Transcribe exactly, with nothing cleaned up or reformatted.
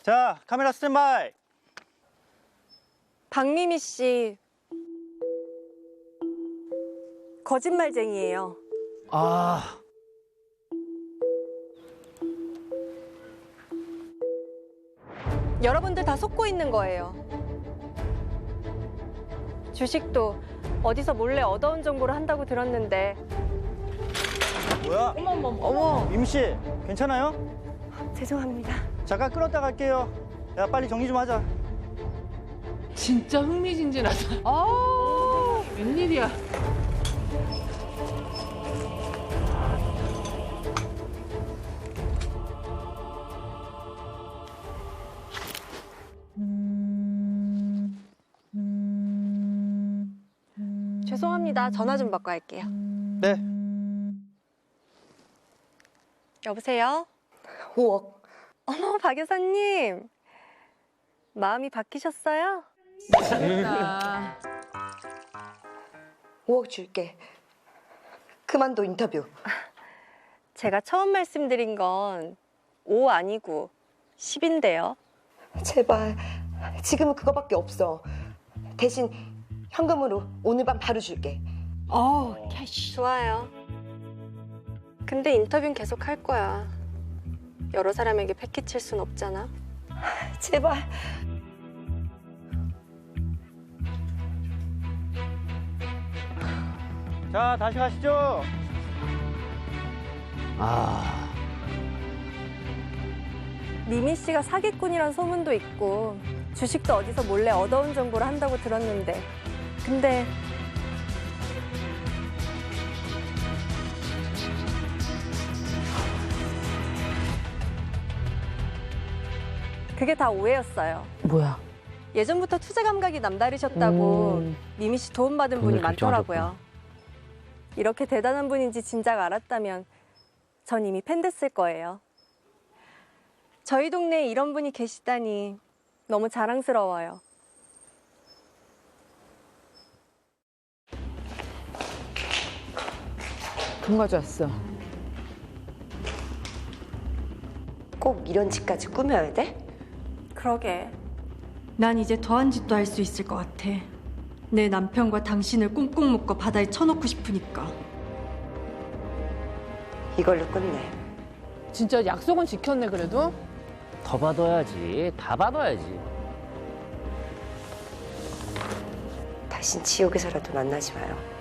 자, 카메라 스탠바이. 박미미 씨 거짓말쟁이에요. 아, 여러분들 다 속고 있는 거예요. 주식도 어디서 몰래 얻어온 정보를 한다고 들었는데. 뭐야? 어머 어머 어머. 미미 씨, 괜찮아요? 죄송합니다. 잠깐 끊었다 갈게요. 야, 빨리 정리 좀 하자. 진짜 흥미진진하다. 아, 웬일이야. 죄송합니다. 전화 좀 받고 할게요. 네. 여보세요? 오억. 어머, 박 여사님. 마음이 바뀌셨어요? 재밌다. 오억 줄게. 그만둬 인터뷰. 제가 처음 말씀드린 건 오 아니고 십인데요. 제발. 지금은 그거밖에 없어. 대신 현금으로 오늘 밤 바로 줄게. 어, 캐시. 좋아요. 근데 인터뷰는 계속 할 거야. 여러 사람에게 패키칠 순 없잖아. 제발. 자, 다시 가시죠. 아, 미미 씨가 사기꾼이란 소문도 있고 주식도 어디서 몰래 얻어온 정보를 한다고 들었는데 근데 그게 다 오해였어요. 뭐야? 예전부터 투자 감각이 남다르셨다고 음. 미미 씨 도움받은 분이 많더라고요. 이렇게 대단한 분인지 진작 알았다면 전 이미 팬 됐을 거예요. 저희 동네에 이런 분이 계시다니 너무 자랑스러워요. 돈 가져왔어. 꼭 이런 짓까지 꾸며야 돼? 그러게. 난 이제 더한 짓도 할 수 있을 것 같아. 내 남편과 당신을 꽁꽁 묶어 바다에 쳐놓고 싶으니까. 이걸로 끝내. 진짜 약속은 지켰네, 그래도. 더 받아야지. 다 받아야지. 다신 지옥에서라도 만나지 마요.